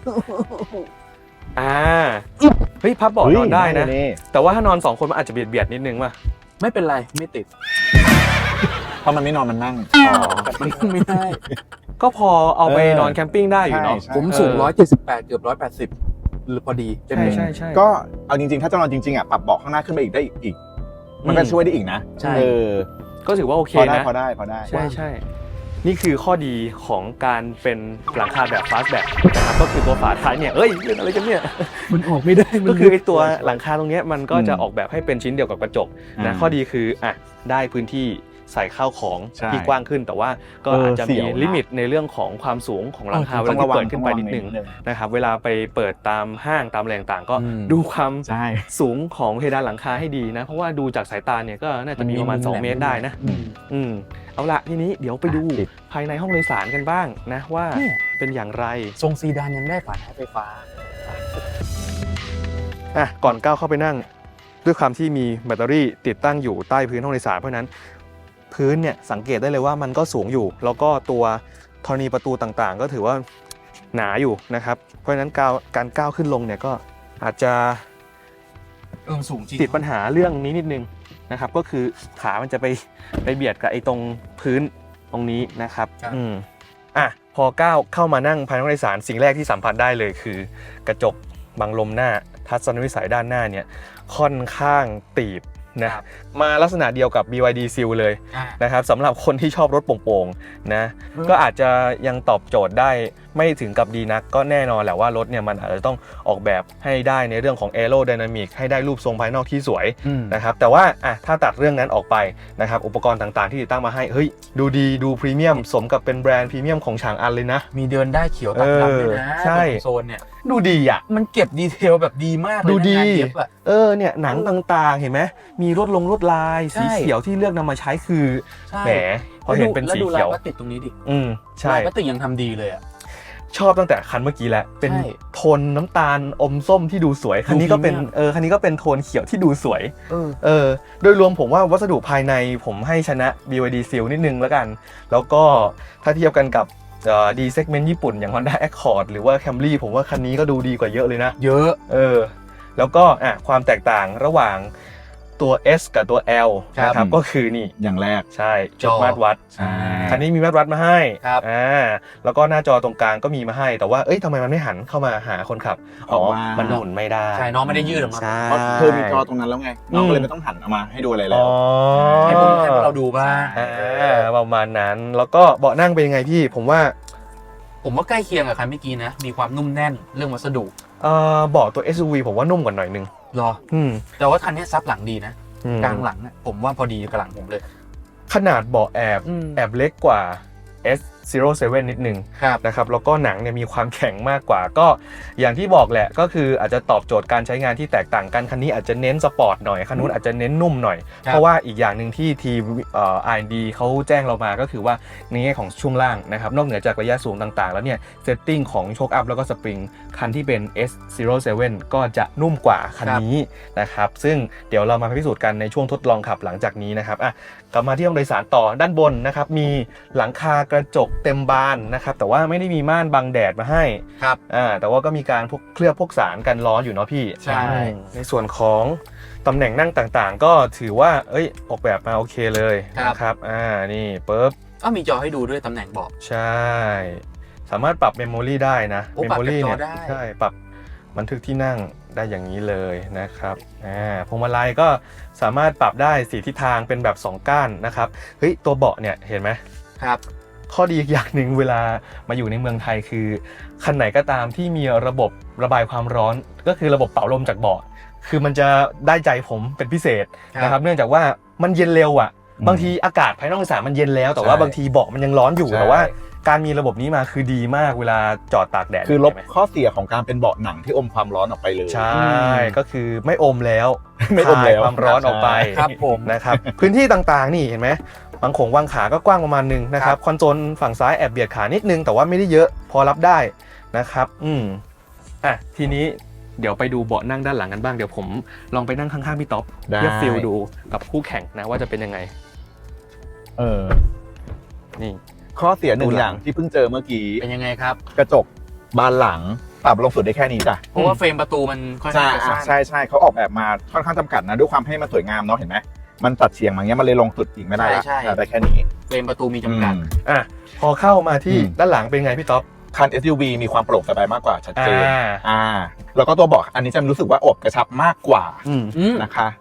S1: อ่าเฮ้ยพับเบาะนอนได้นะ
S2: เฮ้ย
S1: แต่ว่าถ้านอนสองคนมันอาจจะเบียดเบียดๆนิดนึงว่ะ
S3: ไม่เป็นไรไม่ติด
S2: เพราะมันไม่นอนมันนั่ง
S3: มันไม่ได้
S1: ก็พอเอาไป
S2: เออน
S1: อนแคมปิ้งได้อยู่เนาะ
S2: ใช่
S3: ผมสูง
S1: เออ
S3: ร้อยเจ็ดสิบแปดเกือบร้อยแปดสิบหรือพอดีเต็ม
S1: ใช่
S3: เลย
S1: ใช่ใช่
S2: ก็เอาจริงๆ ถ้าจะนอนจริงๆอ่ะปรับเบาะข้างหน้าขึ้นไปอีกได้อีกมันก็ช่วยได้อีกนะ
S3: ใช่
S2: เออ
S1: ก็ถือว่าโอเค
S2: พอได้
S1: นะ
S2: พอได้พอได้
S1: ใช่ใช่นี่คือข้อดีของการเป็นหลังคาแบบ fastback นะครับก็คือตัวฝาท้ายเนี่ยเอ้ยเล่นอะไรกันเนี่ย
S3: มันออกไม่ได้
S1: ก็คือไอตัวหลังคาตรงเนี้ยมันก็จะออกแบบให้เป็นชิ้นเดียวกับกระจกนะข้อดีคืออ่ะได้พื้นที่ใส่ข้าวของที่กว้างขึ้นแต่ว่าก็อาจจะมีลิมิตในเรื่องของความสูงของหลังคาเวลาที่เปิดขึ้นไปนิดนึงนะครับเวลาไปเปิดตามห้างตามแหล่งต่างก็ดูความสูงของเพดานหลังคาให้ดีนะเพราะว่าดูจากสายตาเนี่ยก็น่าจะมีประมาณสองเมตรได้นะอืมเอาละทีนี้เดี๋ยวไปดูภายในห้องโดยสารกันบ้างนะว่าเป็นอย่างไร
S3: ทรงซีดานยังได้ฝาท้ายไฟฟ้า
S1: อ่ะก่อนก้าวเข้าไปนั่งด้วยความที่มีแบตเตอรี่ติดตั้งอยู่ใต้พื้นห้องโดยสารเพราะนั้นพื้นเนี่ยสังเกตได้เลยว่ามันก็สูงอยู่แล้วก็ตัวธรณีประตูต่างๆก็ถือว่าหนาอยู่นะครับเพราะฉะนั้นการก้าวขึ้นลงเนี่ยก็อาจจะ
S3: เออสูงจริง
S1: ติดปัญหาเรื่องนี้นิดนึงนะครับก็คือขามันจะไปไปเบียดกับไอ้ตรงพื้นตรงนี้นะครับอืมอ่ะพอก้าวเข้ามานั่งภายในห้องโดยสารสิ่งแรกที่สัมผัสได้เลยคือกระจกบังลมหน้าทัศนวิสัยด้านหน้าเนี่ยค่อนข้างตีบนะมาลักษณะเดียวกับ บี วาย ดี Seal เลยนะครับสำหรับคนที่ชอบรถโป่งๆนะก็อาจจะยังตอบโจทย์ได้ไม่ถึงกับดีนักก็แน่นอนแหละว่ารถเนี่ยมันอาจจะต้องออกแบบให้ได้ในเรื่องของ Aerodynamic ให้ได้รูปทรงภายนอกที่สวยนะครับแต่ว่าอ่ะถ้าตัดเรื่องนั้นออกไปนะครับอุปกรณ์ต่างๆที่ติดตั้งมาให้เฮ้ยดูดีดูพรีเมียมสมกับเป็นแบรนด์พรีเมียมของฉางอันเลยนะ
S3: มีเดินได้เขียวตัดดำเลยนะใช่โซนเนี่ย
S1: ดูดีอ่ะ
S3: มันเก็บดีเทลแบบดีมากเลย
S1: ดูดีเออเนี่ยหนังต่างๆเห็นไหมมีลวดลงลวดลายสีเขียวที่เลือกนำมาใช้คือแหมพอเห็นเป็นสีเขียว
S3: แล้วดูลายพลาสติกตรงนี้ดิ
S1: อืมใช่
S3: ลายพลาสติกยังทำดีเลยอ่ะ
S1: ชอบตั้งแต่คันเมื่อกี้แหละเป็นโทนน้ำตาลอมส้มที่ดูสวยคันนี้ก็เป็นเออคันนี้ก็เป็นโทนเขียวที่ดูสวยเออโดยรวมผมว่าวัสดุภายในผมให้ชนะ บี วาย ดี Seal นิดนึงแล้วกันแล้วก็ถ้าเทียบกันกับดีเซกเมนต์ญี่ปุ่นอย่าง Honda Accord หรือว่า Camry ผมว่าคันนี้ก็ดูดีกว่าเยอะเลยนะ
S3: เยอะ
S1: เออแล้วก็อ่ะความแตกต่างระหว่างตัว S กับตัว L นะครับก็คือนี่
S2: อย่างแรก
S1: ใช่จุดมาตรวัดคันนี้มีมาตรวัดมาให้อ่าแล้วก็หน้าจอตรงกลางก็มีมาให้แต่ว่าเอ้ยทำไมมันไม่หันเข้ามาหาคนขับอ๋อมันหมุนไม่ได้
S3: ใช่น้องไม่ได้ยืดออกมา
S2: เพราะเธอมีจอตรงนั้นแล้วไงน้องเลยไม่ต้องหันออกมาให้ดูอะไรแล้ว
S3: ให้พวกให้พวกเราดูบ้าง
S1: ประมาณนั้นแล้วก็เบาะนั่งเป็นยังไงพี่ผมว่า
S3: ผมว่าใกล้เคียงกับคันเมื่อกี้นะมีความนุ่มแน่นเรื่องวัสดุ
S1: เอ่อเบาะตัว เอส ยู วี ผมว่านุ่มกว่าหน่อยนึง
S3: หรออืมแต่ว่าคันนี้ซับหลังดีนะกลางหลังนะผมว่าพอดีกับหลังผมเลย
S1: ขนาดเบาะแอบแอบเล็กกว่า เอส ศูนย์ เซเว่น นิดนึงนะครับแล้วก็หนังเนี่ยมีความแข็งมากกว่าก็อย่างที่บอกแหละก็คืออาจจะตอบโจทย์การใช้งานที่แตกต่างกันคันนี้อาจจะเน้นสปอร์ตหน่อยคันนู้นอาจจะเน้นนุ่มหน่อยเพราะว่าอีกอย่างหนึ่งที่ทีมเอ่อ อาร์ แอนด์ ดี เขาแจ้งเรามาก็คือว่าในแง่ของช่วงล่างนะครับนอกเหนือจากระยะสูงต่างๆแล้วเนี่ยเซตติ้งของโชคอัพแล้วก็สปริงคันที่เป็น เอส ศูนย์ เซเว่น ก็จะนุ่มกว่าคันนี้นะครับซึ่งเดี๋ยวเรามาพิสูจน์กันในช่วงทดลองขับหลังจากนี้นะครับอ่ะกลับมาที่ห้องโดยสารต่อด้านบนนะครับมีหลังคากระจกเต็มบานนะครับแต่ว่าไม่ได้มีม่านบังแดดมาให้
S3: ครับ
S1: อ่าแต่ว่าก็มีการพวกเคลือบพวกสารกันร้อนอยู่เนาะพี่
S3: ใช่
S1: ในส่วนของตำแหน่งนั่งต่างๆก็ถือว่าเอ้ยออกแบบมาโอเคเลยนะครับอ่านี่ปึ๊บ
S3: ก็มีจอให้ดูด้วยตำแหน่งเบาะ
S1: ใช่สามารถปรับเมมโมรี่ได้นะเมมโมรี่เนี่ยใช่ปรับบันทึกที่นั่งได้อย่างนี้เลยนะครับอ่าพวงมาลัยก็สามารถปรับได้สี่ทิศทางเป็นแบบสองก้านนะครับเฮ้ยตัวเบาะเนี่ยเห็นไหม
S3: ครับ
S1: ข้อดีอีกอย่างหนึ่งเวลามาอยู่ในเมืองไทยคือคันไหนก็ตามที่มีระบบระบายความร้อนก็คือระบบเป่าลมจากเบาะคือมันจะได้ใจผมเป็นพิเศษนะครับเนื่องจากว่ามันเย็นเร็วอ่ะบางทีอากาศภายนอกสนามมันเย็นแล้วแต่ว่าบางทีเบาะมันยังร้อนอยู่แต่ว่าการมีระบบนี้มาคือดีมากเวลาจอดตากแดด
S2: คือลบข้อเสียของการเป็นเบาะหนังที่อมความร้อนออกไปเลย
S1: ใช่ก็คือไม่อมแล้วไม่อมแล้วความร้อนออกไป
S3: ครับผม
S1: นะครับพื้นที่ต่างๆนี่เห็นไหมบางโขงวางขาก็กว้างประมาณนึงนะครับคอนโซลฝั่งซ้ายแอบเบียดขานิดนึงแต่ว่าไม่ได้เยอะพอรับได้นะครับอืมอ่ะทีนี้เดี๋ยวไปดูเบาะนั่งด้านหลังกันบ้างเดี๋ยวผมลองไปนั่งข้างๆพี่ต๊อบเพื่อฟีลดูกับคู่แข่งนะว่าจะเป็นยังไง
S2: เออ
S1: นี่
S2: ข้อเสียหนึ่งอย่างที่เพิ่งเจอเมื่อกี้
S3: เป็นยังไงครับ
S2: กระจกบานหลังปรับลงสุดได้แค่นี้จ้ะ
S3: เพราะว่าเฟรมประตูมันค่อนข้างจะสั้น
S2: ใช่ใช่เขาออกแบบมาค่อนข้างจำกัดนะด้วยความให้มันสวยงามเนาะเห็นไหมมันตัดเฉียงมาเงี้ยมันเลยลงสุดอีกไม่ได้ได้แค่นี้
S3: เฟรมประตูมีจำกัด
S1: อ่ะพอเข้ามาที่ด้านหลังเป็นไงพี่ต๊อบ
S2: คัน เอส ยู วี มีความโปร่งสบายมากกว่าชัดเจนอ่าแล้วก็ตัวเบาะอันนี้จะรู้สึกว่าอบกระชับมากกว่านะคะ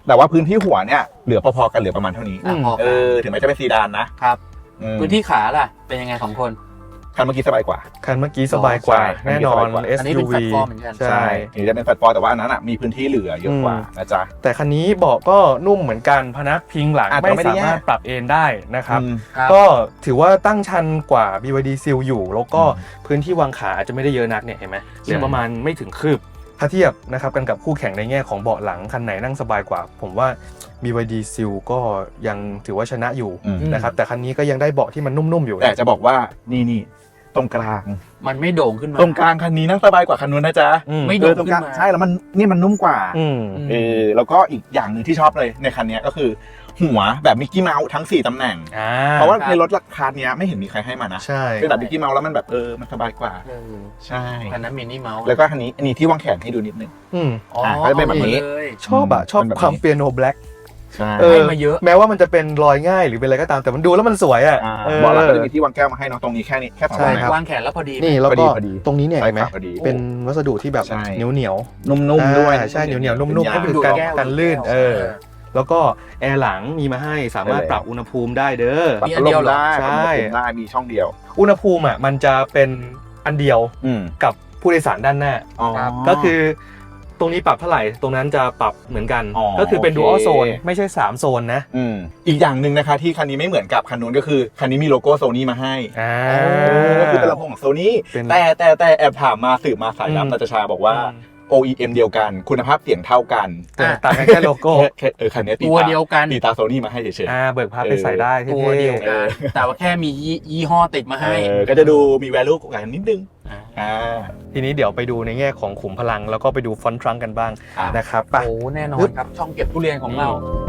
S2: แต่ว่าพื้นที่หัวเนี่ยเหลือพอๆกันเหลือประมาณเท่านี้
S3: อ่ะพอ
S2: เออถึงแม้จะเป็นซีดานนะครับ อืม
S3: พื้นที่ขาล่ะเป็นยังไงของคน
S2: คันเมื่อกี้สบายกว่า
S1: คันเมื่อกี้สบายกว่า
S2: ใช่
S1: แน่นอน
S2: อันนี้
S3: อันนี้เป็น
S1: เอส ยู วี
S3: แพลตฟอร์มเหมือนกัน
S1: ใช่
S2: ถึงจะเป็นแฟลตฟอร์มแต่ว่าอันนั้นอ่ะมีพื้นที่เหลือเยอะกว่า
S1: อืม
S2: นะจ๊ะ
S1: แต่คันนี้เบาะก็นุ่มเหมือนกันพนักพิงหลัง
S2: อ่ะแต่
S1: ไม่
S2: ไม่ได้
S1: สามารถ
S2: แยก
S1: ปรับเอนได้นะครับ
S2: อืม
S3: ครับ
S1: ก็ถือว่าตั้งชันกว่า บี วาย ดี Seal อยู่ แล้วก็
S2: อืม
S1: พื้นที่วางขาอาจจะไม่ได้เยอะนักเนี่ยเห็นไหมเหลือประมาณไม่ถึงคืบ ถ้าเทียบนะครับกันกับคู่แข่งในแง่ของเบาะหลังคันไหนนั่งสบายกว่า ผมว่า บี วาย ดี Seal ก็ยังถือว่าชนะอยู่
S2: อืม
S1: นะครับแต่คันนี้ก็ยังได้เบาะที่มันนุ่มๆอยู่
S2: แต่จะบอกว่านี่นี่ตรงกลาง
S3: มันไม่โด่งขึ้นมา
S2: ตรงกลางคันนี้นั่งสบายกว่าคันนู้นนะจ๊ะ
S1: อืม
S3: ไม่
S2: เอ
S3: โด่
S2: อง ตรง
S3: ขึ้
S2: กลาง
S3: นมา
S2: ใช่แล้วมันนี่มันนุ่มกว่า
S1: อืม
S3: อืม
S2: เออแล้วก็อีกอย่างหนึ่งที่ชอบเลยในคันนี้ก็คือ หัวแบบมิกกี้เมาส์ทั้งสี่ตำแหน่ง
S1: อ่า
S2: เพราะว่าในรถราคาเนี้ยไม่เห็นมีใครให้มานะ
S1: ใช่
S2: เป็นแบบมิกกี้เมาส์แล้วมันแบบเออมันสบายกว่า
S3: เออ
S2: ใช่
S3: คันนั้นมินิเมาส์
S2: แล้วก็คันนี้อันนี้ที่วางแขนให้ดูนิดนึง
S1: อืม
S3: อ๋อ
S2: ก็จะเป็นแบบนี้
S3: อามาเลย
S1: ชอบอะชอบ
S2: เป็นแบบนี้
S1: ความเปียโนแบล็ก
S2: ใช่
S1: เออ
S3: ให้มาเยอะ
S1: แม้ว่ามันจะเป็นรอยง่ายหรือเป็นอะไรก็ตามแต่มันดูแล้วมันสวยอ่ะ
S2: อ่า
S1: เออ
S2: เบอกแล้วก็จะมีที่วางแก้วมาให้เน้องตรงนี้แค่นี้แค่สอง
S1: ใช่
S2: ตำแหน่ง
S1: ครับ
S3: วางแขนแล้วพอดี
S1: นี่แล้ว
S2: พอดี
S1: ก็
S2: พอดี
S1: ตรงนี้เนี่ย
S2: ใช่
S1: เห็นไหม
S2: ครับพอดี
S1: เป็นวัสดุที่แบบ
S2: ใช่
S1: เหนียวเหนียว
S2: นุ่มๆด้วย
S1: ใช่เหนียวเหนียวนุ่มๆ
S2: เป็
S1: ก็
S2: น
S1: คื
S2: ยาง
S1: อการ
S3: แก้ว
S1: การลื่น
S3: แก้ว
S1: เออแล้วก็แอร์หลังมีมาให้สามารถ
S2: ใช่แล้ว
S1: ปรับอุณหภูมิได้เด้อ
S2: ปรับ
S3: มี
S2: พั
S3: อั
S2: ด
S3: น
S2: ล
S3: เดียว
S2: ม
S3: เหรอ
S2: ได้
S1: ใช่
S2: ปรับอุณหภูมิได้มีช่องเดียว
S1: อุณหภูมิอ่ะมันจะเป็นอันเดียว
S2: อืม
S1: กับผู้โดยสารด้านหน้า
S2: อ๋อ
S1: ก็คือตรงนี้ปรับเท่าไหร่ตรงนั้นจะปรับเหมือนกัน
S2: อ๋อ
S1: ก็คือเป็น
S2: โอเค
S1: dual zone ไม่ใช่สามโซนนะ
S2: อืมอีกอย่างหนึ่งนะคะที่คันนี้ไม่เหมือนกับคันนู้นก็คือคันนี้มีโลโก้โซนี่มาให้
S1: อ่า
S2: เออก็คือเป็นลำโพงของโซนี่
S1: เป็น
S2: แต่แต่แต่แอบถามมาสืบมาสาย
S1: อืม
S2: ลับนาตาชาบอกว่า
S1: อืม
S2: โอ อี เอ็ม เดียวกันคุณภาพเสียงเท่ากัน
S1: แต่ต่างกันแค่โลโก้
S2: แค่แค่เออคันนี้ตี
S3: ตัว
S2: ตา
S3: เดียวกัน
S2: ตีตาโซนี่มาให้เฉย
S1: อ่าเบิกพาไปใส่ได้เท่ๆ
S3: ตัวเดียวกันแต่ว่าแค่มียี่ยี่ห้อติดมา
S2: ๆ
S3: ให้
S2: เออก็จะดูมี value กว่ากันนิดนึง
S3: อ่า
S2: อ่า
S1: ทีนี้เดี๋ยวไปดูในแง่ของขุมพลังแล้วก็ไปดูฟอนต์ทรังก์กันบ้าง
S2: อ่ะ
S1: นะครับไป
S3: โอ้แน่นอนครับ ช่องเก็บทุเรียนของเรา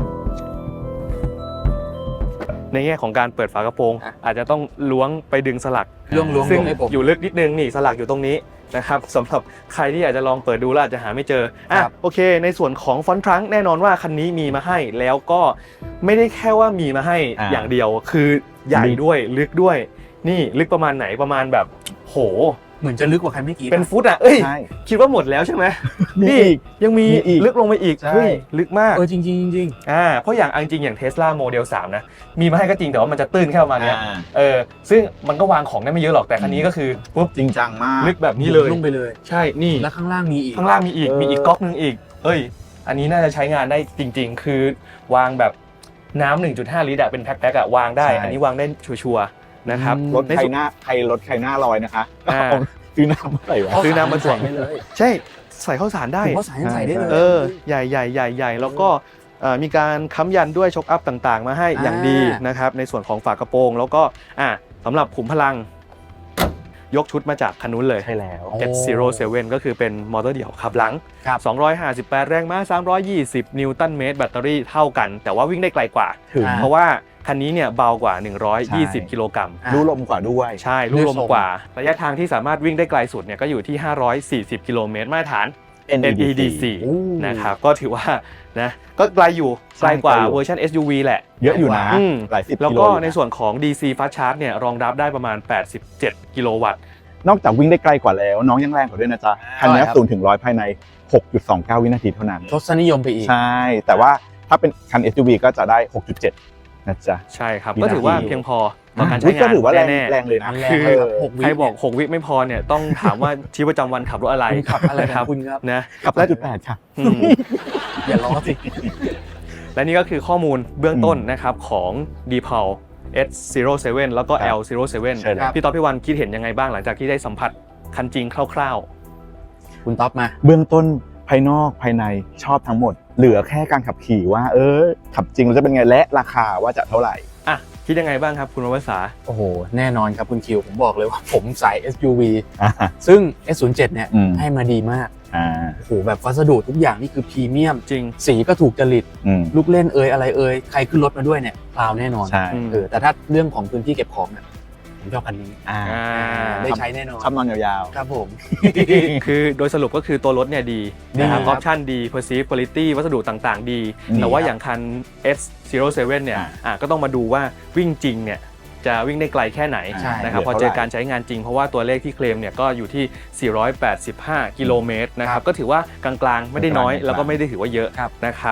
S1: ในแง่ของการเปิดฝากระโปรง
S3: อ่ะ
S1: อาจจะต้องล้วงไปดึงสลัก
S3: เรื่องล้วง
S1: ซึ่ง
S3: ให้ผม
S1: อยู่ลึกนิดนึงนี่สลักอยู่ตรงนี้นะครับสำหรับใครที่อยากจะลองเปิดดูแล้วอาจจะหาไม่เจออ่ะ
S3: ครับ
S1: โอเค ในส่วนของฟอนต์ทรังก์แน่นอนว่าคันนี้มีมาให้แล้วก็ไม่ได้แค่ว่ามีมาให้
S2: อ่า
S1: อย่างเดียวคือใหญ่ด้วยลึกด้วย นี่ลึกประมาณไหนประมาณแบบโห
S3: เหมือนจะลึกกว่าคันเมื่อกี้
S1: เป็นฟุตอ่ะเอ้ย
S2: ใช่
S1: คิดว่าหมดแล้วใช่ไหม
S2: มี
S1: นี่
S2: อีก
S1: ยังมี
S2: มีอีก
S1: ลึกลงไปอีก
S2: ใช่
S1: เฮ้ยลึกมาก
S3: เออจริงจริงจริง
S1: อ่าเพราะอย่างเอาจริงๆอย่าง Tesla Model สามนะมีมาให้ก็จริงแต่ว่ามันจะตื้นแค่ประมาณเนี้ย
S2: อ่า
S1: เออซึ่งมันก็วางของได้ไม่เยอะหรอกแต่คันนี้ก็คือปุ๊บ
S2: จริงจังมาก
S1: ลึกแบบนี้เลย
S3: ลงไปเลย
S1: ใช่นี่
S3: แล้วข้างล่างมีอีก
S1: ข้างล่างมีอีก
S2: เออ
S1: มีอีกก๊อกนึงอีกเอ้ยอันนี้น่าจะใช้งานได้จริง ๆ คือวางแบบน้ำหนึ่งจุดห้า ลิตรอะเป็นแพ็คๆอะวางได้ อันนี้วางได้ชัวร์ๆนะครับ
S2: รถ
S1: ใน
S2: ใคร
S1: ส่วน
S2: หน้าใครรถใครหน้าลอยนะคะ
S1: อ่า
S2: ซื้อน้ำเมื่อไหร่วะ
S1: ซื้อน้ำมาถ่วง
S3: ใส่ได้เลย
S1: ใช่ใส่ข้าวสารได้
S3: ผมว่าใส่ใส่ได้เลย
S1: เออใหญ่ใหญ่ใหญ่ใหญ่แล้วก็เอ่อมีการค้ำยันด้วยช็อคอัพต่างๆ มาให้อย่างดีนะครับในส่วนของฝากระโปรงแล้วก็อ่ะสำหรับขุมพลังยกชุดมาจากคันนู้นเลย
S2: ใช่แล้ว
S3: โอ้
S1: เจ็ดศูนย์เซเว่นก็คือเป็นมอเตอร์เดี่ยวขับหลัง
S3: ครับ
S1: สองร้อยห้าสิบแปดแรงม้าสามร้อยยี่สิบนิวตันเมตรแบตเตอรี่เท่ากัน แต่ว่าวิ่งได้ไกลกว่า
S2: ถึง
S3: อ่า
S1: เพราะว่าคันนี้เนี่ยเบากว่า หนึ่งร้อยยี่สิบ
S2: ใช่
S1: กิโลกรัม
S3: อ่ะ
S2: รู้ลมกว่าด้วย
S1: ใช่ลูกลมกว่า ระยะทางที่สามารถวิ่งได้ไกลสุดเนี่ยก็อยู่ที่ ห้าร้อยสี่สิบ กิโลเมตรมาตรฐาน เอ็น อี ดี ซี
S3: โอ้
S1: นะครับก็ถือว่านะก็ไกลอยู่ไกลกว่าเวอร์ชัน เอส ยู วี แหละ
S2: เยอะอยู่นะ
S1: อืม
S2: หลายสิบ
S1: แล้ว
S2: กิโล
S1: ก็
S2: อยู่ะ
S1: ในส่วนของ ดี ซี Fast Charge เนี่ยรองรับได้ประมาณ แปดสิบเจ็ด กิโลวัตต์
S2: นอกจากวิ่งได้ไกลกว่าแล้ว น้องยังแรงกว่าด้วยนะจ๊ะ คันนี้
S3: ครับ
S2: ศูนย์ถึงร้อยภายใน หกจุดสองเก้า วินาทีเท่านั้น
S3: ทศนิยมไปอีก
S2: ใช่ แต่ว่าถ้าเป็นคัน เอส ยู วี ก็จะได้ หกจุดเจ็ด นะจ๊ะ
S1: ใช่ครับ
S2: วิ
S1: ก็
S2: นาที
S1: ถือว่าเพียงพอต่อการ
S2: อุ๊
S1: ใช้
S2: ยก็
S1: งาน
S2: ถือว่าแรง
S1: แน่
S2: แรงเลยนะ
S3: มันแรง
S1: คือ
S3: มากครับหกวิ
S1: ใครบอก หก วิไม่พอเนี่ยต้องถามว่าชีวิตประจำวันขับรถอะไร
S3: คุณขับอะไร
S1: นะ
S3: ของคุณครับ
S1: นะ
S2: กับ
S1: และ
S2: จุดแปดค่ะ
S1: อืม
S3: อย่าล้อสิ
S1: และนี่ก็คือข้อมูลเบื้องต้น
S2: อืม
S1: นะครับของ ดี พี เอ แอล เอส ศูนย์ เซเว่น แล้วก็
S2: ครับ
S1: แอล ศูนย์ เซเว่น
S2: ใช่แล้ว
S1: พี่ต๊อบพี่วันคิดเห็นยังไงบ้างหลังจากที่ได้สัมผัสคันจริงคร่าว
S3: คุณต๊อบมา
S2: เบื้องต้นภายนอกภายในชอบทั้งหมด เหลือแค่การขับขี่ว่า เออ ขับจริงแล้วจะเป็นไงและราคาว่าจะเท่าไหร่
S1: ๆ อ่ะ คิดยังไงบ้างครับคุณววสา
S3: โอ้โห แน่นอนครับคุณคิว ผมบอกเลยว่าผมสาย เอส ยู วี
S2: อ่า
S3: ซึ่ง เอส ศูนย์ เจ็ด เนี่ย
S2: อืม
S3: ให้มาดีมาก
S2: อ่า
S3: โอ้โห แบบวัสดุทุกอย่างนี่คือพรีเมียม
S1: จริง
S3: สีก็ถูกจริต
S2: อืม
S3: ลูกเล่นเอ่ยอะไรเอ่ยใครขึ้นรถมาด้วยเนี่ยพราวแน่นอน
S2: ใช่
S1: อืม
S3: เออแต่ถ้าเรื่องของพื้นที่เก็บของเนี่ยผมชอบคันนี้
S2: อ่า
S1: อ่า
S3: ได้ใช้แน่นอน
S2: ชอบนอนยาว
S3: ครับผม
S1: คือโดยสรุปก็คือตัวรถเนี่ยดี
S3: ดี
S1: นะครับ
S3: ค
S1: อ
S3: รั
S1: อบ ปชั่นดี perceive quality วัสดุต่างๆ ดี
S2: ดี
S1: แต่ว่า
S2: ครับ
S1: อย่างคัน เอส ศูนย์ เซเว่น เนี่ย
S2: อ่า
S1: อ่ะก็ต้องมาดูว่าวิ่งจริงเนี่ยจะวิ่งได้ไกลแค่ไหน
S3: ใช่
S1: นะครับ
S2: เหลื
S1: พ
S2: อ
S1: อ
S2: เท่า
S1: เจอ
S2: ไหร่
S1: การใช้งานจริงเพราะว่าตัวเลขที่เคลมเนี่ยก็อยู่ที่ สี่ร้อยแปดสิบห้า กิโลเมตรนะค
S3: ครั
S1: รับบ ก็ถือว่ากลางๆ ไม่ได้น้อย
S2: กลางๆ
S1: แล้วก็ไม่ได้ถือว่าเยอะ
S3: ครับ
S1: นะครับ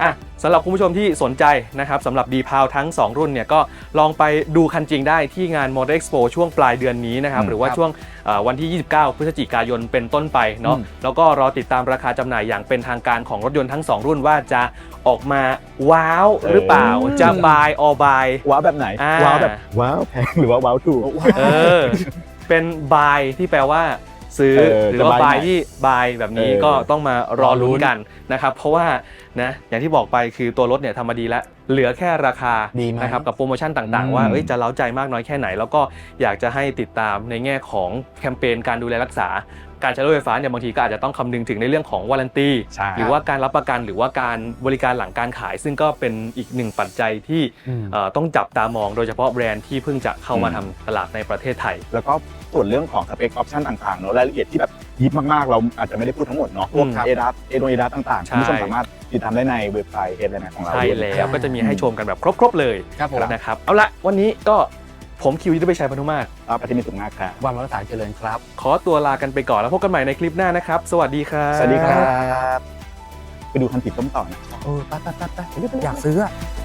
S1: อ่ะสำหรับคุณผู้ชมที่สนใจนะครับสำหรับ D-Pal ทั้งสองรุ่นเนี่ยก็ลองไปดูคันจริงได้ที่งาน Motor Expo ช่วงปลายเดือนนี้นะครับ
S2: อืม
S1: หรือว่าช่วงเอ่อวันที่ ยี่สิบเก้า พฤศจิกายนเป็นต้นไปเนาะ
S2: อืม
S1: แล้วก็รอติดตามราคาจำหน่ายอย่างเป็นทางการของรถยนต์ทั้งสองรุ่นว่าจะออกมาว้าวหรือเปล่า
S2: เออ
S1: จะบายออบาย
S2: ว้าวแบบไหน
S1: อ่า
S2: ว้าวแบบว้าวแพงหรือว่าว้าวถูก
S1: เออเป็นบายที่แปลว่าซื้อ
S2: เออ
S1: หรือว่า
S2: จะ buy
S1: บาย
S2: ไหน
S1: ที่บายแบบนี้
S2: เออ
S1: ก็ต้องมารอลุ้นกันนะครับเพราะว่านะอย่างที่บอกไปคือตัวรถเนี่ยทำมาดีแล้วเหลือแค่ราคา
S3: ดีไหม
S1: นะครับกับโปรโมชั่นต่าง
S2: อืม
S1: ๆ ว่าเอ้ยจะเล้าใจมากน้อยแค่ไหน แล้วก็อยากจะให้ติดตามในแง่ของแคมเปญการดูแลรักษาการใช้รถไฟฟ้าเนี่ยบางทีก็อาจจะต้องคำนึงถึงในเรื่องของวารันตี
S2: ใช่
S1: หรือว่าการรับประกันหรือว่าการบริการหลังการขาย ซึ่งก็เป็นอีกหนึ่งปัจจัยที่
S3: อืม
S1: เอ่อต้องจับตามองโดยเฉพาะแบรนด์ที่เพิ่งจะเข้ามาทำตลาดในประเทศไทย
S2: แล้วก็ส่วนเรื่องของสเปคออปชันต่างๆเนอะรายละเอียดที่แบบยิบมากๆ เราอาจจะไม่ได้พูดทั้งหมดเนาะพวก
S1: อืม
S2: เอดัสเอโดเอดัสต่างๆ
S1: ใช่
S2: คุณผู้ชมสามารถติดตามได้ในเว็บไซต์เอดเลยนะของเรา
S1: ใช่
S2: ด้วย
S1: แล้วก็จะมีให้ชมกันแบบครบๆเลย
S3: ครับผม
S1: นะครับเอาละวันนี้ก็ผมคิวยุทธไปชัยพนุมาตร
S2: ครับอาทิตย์มีสุขมากครับ
S3: วันรักษาเจริญครับ
S1: ขอตัวลากันไปก่อนแล้วพบกันใหม่ในคลิปหน้านะครับ สวัสดีครับ
S2: สวัสดีครับ ไปดูคันติดต้มต่อนะ
S3: เออไปไปไปไปอยากซื้ออะ